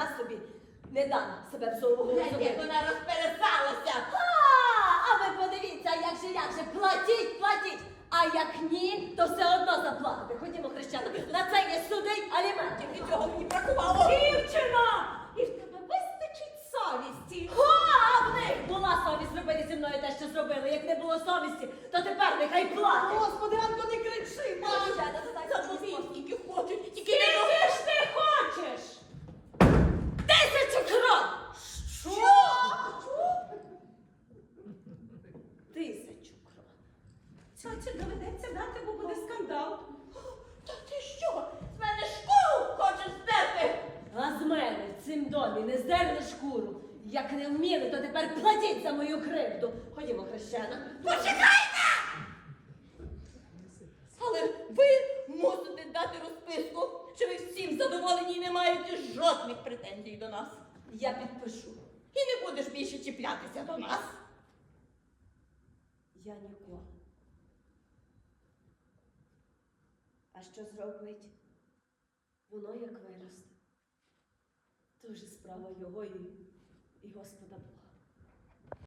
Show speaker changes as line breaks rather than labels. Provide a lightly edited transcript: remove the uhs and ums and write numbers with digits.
я собі не дам себе в сову
Як вона розпересалася.
А ви подивіться, як же, платіть, платіть. А як ні, то все одно заплатите. Ходімо, хрещена, на це є суди й аліментів.
Від цього мені бракувало.
Дівчина!
І в тебе вистачить совісті.
А в них була совість робити зі мною те, що зробили. Як не було совісті, то тепер нехай платять.
Господи, Анко, не кричи,
Хрещена,
мама.
то так
Заплати, скільки хочуть, тільки
Скільки
не
ж ти хочеш? 1000 крон!
Що?
1000 крон.
Цяці доведеться дати, бо буде скандал. Та ти що? З мене шкуру хочеш здерти?
А з мене в цім домі не здерли шкуру. Як не вміли, то тепер платіть за мою кривду. Ходімо, хрещена.
Почекайте! Але ви мусите дати розписку, що ви всім задоволені і не маєте жодних претензій до нас.
Я підпишу.
І не будеш більше чіплятися до нас.
Я ніколи. А що зробить? Воно як виросте. То вже справа його і Господа Бога.